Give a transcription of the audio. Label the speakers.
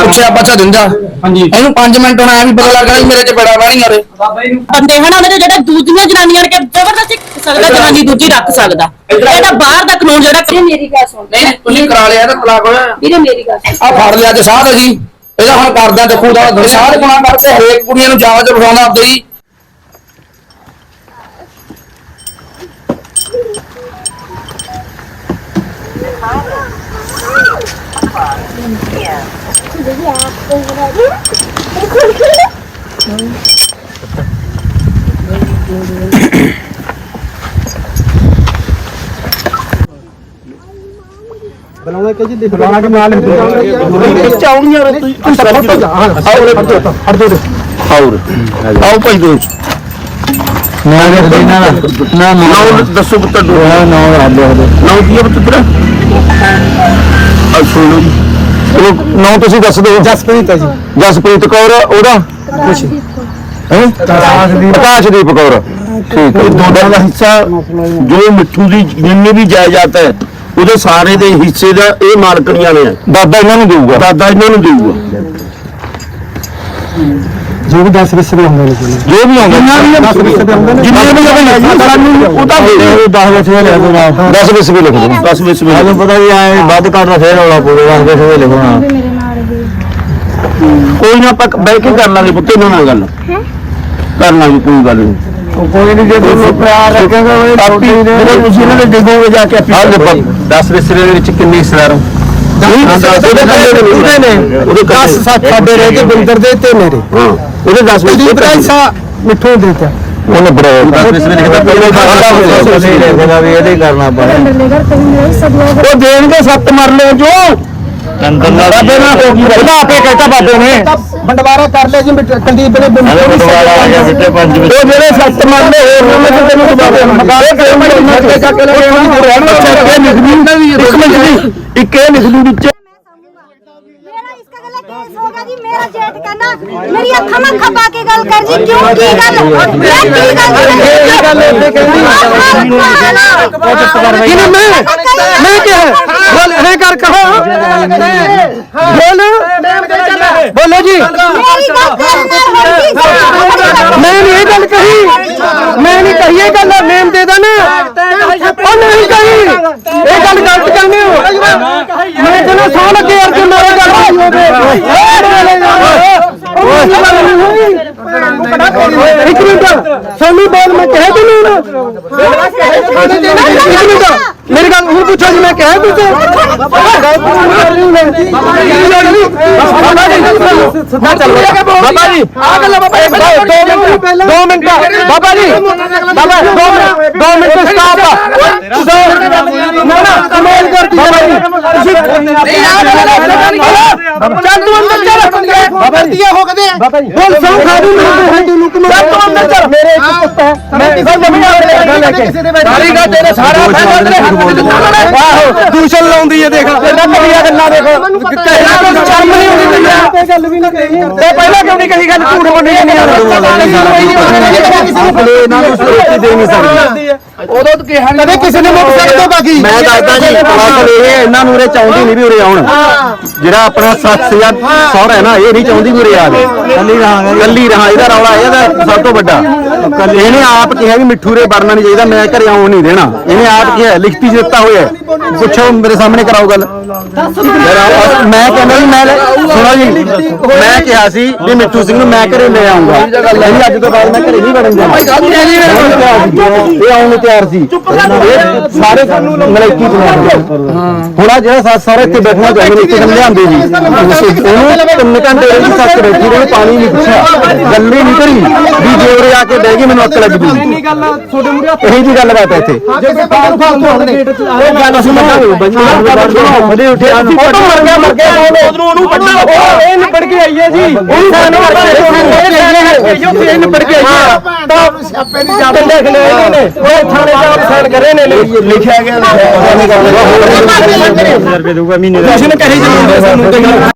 Speaker 1: ਪੁੱਛਿਆ ਬੱਚਾ ਦਿੰਦਾ ਹਾਂਜੀ ਇਹਨੂੰ 5 ਮਿੰਟ ਹੁਣ ਐ ਵੀ ਪਤਾ ਲੱਗਣਾ ਮੇਰੇ ਚ ਬੜਾ ਵਾਣੀ ਮਾਰੇ
Speaker 2: ਬੰਦੇ ਹਨ ਉਹਦੇ ਜਿਹੜੇ ਦੂਜੀਆਂ ਜਨਾਨੀਆਂ ਨੇ ਜ਼ਬਰਦਸਤੀ ਸਕਦਾ ਜਨਾਨੀ ਦੂਜੀ ਰੱਖ ਸਕਦਾ ਇਹਦਾ ਬਾਹਰ ਦਾ ਕਾਨੂੰਨ ਜਿਹੜਾ
Speaker 3: ਮੇਰੀ ਗੱਲ ਸੁਣ
Speaker 1: ਨਹੀਂ ਤੁਸੀਂ ਕਰਾ ਲਿਆ ਤਾਂ ਤਲਾਕ ਹੋਇਆ
Speaker 3: ਵੀਰੇ ਮੇਰੀ ਗੱਲ ਸੁਣ
Speaker 1: ਆ ਫੜ ਲਿਆ ਤੇ ਸਾਧ ਜੀ ਇਹਦਾ ਹੁਣ ਕਰਦਾ ਦੇਖੋ ਦਾ ਸਾਧ ਗੁਨਾਹ ਕਰਕੇ ਹਰੇਕ ਕੁੜੀਆਂ ਨੂੰ ਜਾਵਾ ਚ ਬਿਠਾਉਂਦਾ ਆਪਦੇ ਹੀ
Speaker 4: बनाना क्या जी बनाना के माल चावल यार तू सब हट जा हट दो आओ भाई दो ना ना ना दसो पुत्र दो ना ना की पुत्र तेरा सुनो ना ਤੁਸੀਂ ਦੱਸ ਦਿਓ ਜਸਪ੍ਰੀਤ ਹੈ ਜੀ ਜਸਪ੍ਰੀਤ ਕੌਰ ਉਹਦਾ ਕੁਛ ਹੈ ਪ੍ਰਕਾਸ਼ਦੀਪ ਕੌਰ ਠੀਕ ਹੈ ਦੋਨਾਂ ਦਾ ਹਿੱਸਾ ਜੋ ਮਿੱਠੂ ਦੀ ਜਿੰਨੀ ਵੀ ਜਾਇਦਾਦ ਹੈ ਉਹਦੇ ਸਾਰੇ ਦੇ ਹਿੱਸੇ ਦਾ ਇਹ ਮਾਲਕਣੀਆਂ ਨੇ ਦਾਦਾ ਇਹਨਾਂ ਨੂੰ ਦੇਊਗਾ ਜੋ ਵੀ 10 ਵਿਸਵੇ ਹੁੰਦੇ ਨੇ ਜੋ ਵੀ ਆਉਂਦਾ 10 ਵਿਸਵੇ ਆਉਂਦੇ ਨੇ ਜਿੰਨੇ ਵੀ ਸਾਨੂੰ ਉਹ ਤਾਂ 10 ਵਿਸਵੇ ਲਿਖ ਦੋ 10 ਵਿਸਵੇ ਲਿਖ ਦੋ 10 ਵਿਸਵੇ ਮੈਨੂੰ ਪਤਾ ਵੀ ਐ ਵੱਧ ਘੱਟ ਦਾ ਫੇਰ ਹੋਣਾ ਪਊਗਾ 10 ਵਿਸਵੇ ਲਿਖਣਾ ਕੋਈ ਨਾ ਪੱਕ ਬੈ ਕੇ ਕਰ ਲਾਂਗੇ ਪੁੱਤੇ ਨਾਲ ਗੱਲ ਕਰ ਲਾਂਗੇ ਕੋਈ ਗੱਲ ਨਹੀਂ ਕੋਈ ਨਹੀਂ ਜੇ ਤੁਹਾਨੂੰ ਪਿਆਰ ਰੱਖੇਗਾ ਉਹ ਤੁਸੀਂ ਇਹਨਾਂ ਦੇ ਦੇਖੋਗੇ ਜਾ ਕੇ 10 ਵਿਸਵੇ ਦੇ ਵਿੱਚ ਕਿੰਨੇ ਹਿੱਸੇਦਾਰ ਹੋ ਉਹਦੇ 10 ਸਾਡੇ ਰਹਿ ਗਏ ਬਿੰਦਰ ਦੇ ਤੇ ਮੇਰੇ ਉਹਦੇ 10 ਵਿਸਵੇ ਮਿੱਠੂ ਦੇ ਦਿੱਤਾ ਉਹਨੇ ਬੜਾ 10 ਵਿਸਵੇ ਲਿਖਦਾ ਪਹਿਲਾਂ ਵੀ ਇਹਦੇ ਕਰਨਾ ਪੈਣਾ ਉਹ ਦੇਣਗੇ 7 ਮਰ ਲਿਓ ਜੋ ਬਾਬੇ ਨਾਲ ਹੋ ਗਈ ਉਹਦਾ ਆਪੇ ਕਹਿਤਾ ਬਾਬੇ ਨੇ ਬੰਡਵਾਰਾ ਕਰ ਲਿਆ ਜੀ ਕੁਲਦੀਪ ਨੇ ਬੰਡਵਾਰਾ ਆ ਗਿਆ ਬਿੱਟੇ 5 ਵਿੱਚ ਉਹ ਜਿਹੜੇ 7 ਮਰ ਲਏ ਹੋਰ ਨੇ ਤੈਨੂੰ ਬਾਬੇ ਮਕਾਏ ਕਿ ਚੱਕ ਲੈ ਇੱਕ ਇਹ ਲਿਖ ਦੂ ਵਿੱਚ
Speaker 5: होगा जी मेरा जेठ कहना मेरी अखा में खपा के गल कर जी क्यों की गल
Speaker 4: मैं क्या बोल रे कर कहो बोल बोलो जी मैं नहीं गल कही मैं नहीं कही ये गल नेम दे देना और नहीं कही ये गल गलत कहने हो मैं कहना सौ लगे यार जो मेरे गल एक मिनट सोनी बोल मैं कह दूं मेरी गल हूं पूछो जी मैं कह दूं बाबा जी आ गल Baba 2 minute Baba ji Baba 2 minute stop ना ना कमाल करती चल तू अंदर चल बाबा दिया हो कदे बोल सौ खा दूं मैं तू कमाल तू अंदर चल मेरे एक पुੱਤ है मैं ਕਿਸੇ ਦੇ ਸਾਰੀ ਗੱਲ ਤੇਰੇ ਸਾਰਾ ਫੈਸਲਾ ਤੇਰੇ ਹੱਥ ਵਿੱਚ ਆਹੋ ਦੂਸ਼ਣ ਲਾਉਂਦੀ ਹੈ ਦੇਖ ਇਹਨਾਂ ਕਲੀਆਂ ਗੱਲਾਂ ਦੇਖ ਕਹਿਣਾ ਕੋਈ ਸ਼ਰਮ ਨਹੀਂ ਆਉਂਦੀ ਤੈਨੂੰ ਤੇ ਗੱਲ ਵੀ ਨਾ ਕਹੀ ਤੇ ਪਹਿਲਾਂ ਕਿਉਂ ਨਹੀਂ ਕਹੀ ਗੱਲ ਝੂਠ ਬੋਲੀ ਨਹੀਂ ਇਹਨਾਂ ਨੂੰ ਸੋਚੀ ਦੇ ਨਹੀਂ ਸਕਦੀ ਉਦੋਂ ਤਾਂ ਕਿਹਾ ਕਦੇ ਕਿਸੇ ਨੇ ਮੁੱਕ ਸਕਦਾ ਬਾਕੀ ਮੈਂ ਦੱਸਦਾ ਜੀ ਅਸਲ ਇਹ ਇਹਨਾਂ ਨੂੰ ਉਰੇ ਚਾਹੁੰਦੀ ਨਹੀਂ ਵੀ ਉਰੇ ਆਉਣ ਜਿਹੜਾ ਆਪਣਾ ਸੱਸ ਜਾਂ ਸਹੁਰਾ ਹੈ ਨਾ ਇਹ ਨਹੀਂ ਚਾਹੁੰਦੀ ਵੀ ਉਰੇ ਆਵੇ ਕੱਲੀ ਰਹਾ ਇਹਦਾ ਰੌਲਾ ਇਹਦਾ ਸਭ ਤੋਂ ਵੱਡਾ ਇਹਨੇ ਆਪ ਕਿਹਾ ਵੀ ਮਿੱਠੂ ਰੇ ਵੜਨਾ ਨਹੀਂ ਚਾਹੀਦਾ ਮੈਂ ਘਰੇ ਆਉਣ ਨਹੀਂ ਦੇਣਾ ਇਹਨੇ ਆਪ ਕਿਹਾ ਲਿਖਤੀ ਦਿੱਤਾ ਹੋਇਆ ਪੁੱਛੋ ਮੇਰੇ ਸਾਹਮਣੇ ਕਰਾਓ ਗੱਲ ਮੈਂ ਕਹਿੰਦਾ ਵੀ ਮੈਂ ਸੁਣੋ ਜੀ ਮੈਂ ਕਿਹਾ ਸੀ ਵੀ ਮਿੱਠੂ ਸਿੰਘ ਨੂੰ ਮੈਂ ਘਰੇ ਲੈ ਆਉਂਗਾ ਇਹ ਅੱਜ ਤੋਂ ਬਾਅਦ ਮੈਂ ਘਰੇ ਨਹੀਂ ਵੜਨ ਦੇਣਾ ਇਹ ਆਉਣ ਨੂੰ ਤਿਆਰ ਸੀ ਸਾਰੇ ਮਲੈਕੀ ਹੁਣ ਆ ਜਿਹੜਾ ਸੱਸ ਸਹੁਰਾ ਇੱਥੇ ਬੈਠਣਾ ਚਾਹੁੰਦੇ ਨੇ ਇੱਥੇ ਲਿਆਂਦੇ ਜੀ ਉਹਨੂੰ 3 ਘੰਟੇ ਦੀ ਸੱਸ ਬੈਠੀ ਉਹਨੇ ਪਾਣੀ ਨਹੀਂ ਪੁੱਛਿਆ ਗੱਲ ਹੀ ਨਹੀਂ ਕਰੀ ਵੀ ਜੇ ਉਰੇ ਆ ਕੇ ਬਹਿ ਗਈ ਮੈਨੂੰ ਅੱਕ ਲੱਗ ਗਈ ਇਹੀ ਜੀ ਗੱਲ ਬਾਤ ਹੈ ਇੱਥੇ ਉਹ ਗੱਲ ਅਸੀਂ ਮੰਨਾਂਗੇ ਉੱਠੇ ਫੋਟੋ ਮਰ ਗਿਆ ਉਹਨੂੰ ਵੱਡਾ ਇਹ ਨਿਪੜ ਕੇ ਆਈ ਹੈ ਜੀ ਉਹ ਸਾਨੂੰ ਇਹ ਨਿਪੜ ਕੇ ਆਈ ਹੈ ਤਾਂ ਸਿਆਪੇ ਨਹੀਂ ਜਾ ਲਿਖ ਲਿਆ ਇਹਨਾਂ ਨੇ ਉਹ ਥਾਣੇ ਦਾ ਸਾਈਨ ਕਰੇ ਨੇ ਲਿਖਿਆ ਗਿਆ 1000 ਰੁਪਏ ਦਊਗਾ ਮਹੀਨੇ ਦਾ ਕਿਸੇ ਨੇ ਕਹੀ ਜੀ ਸਾਨੂੰ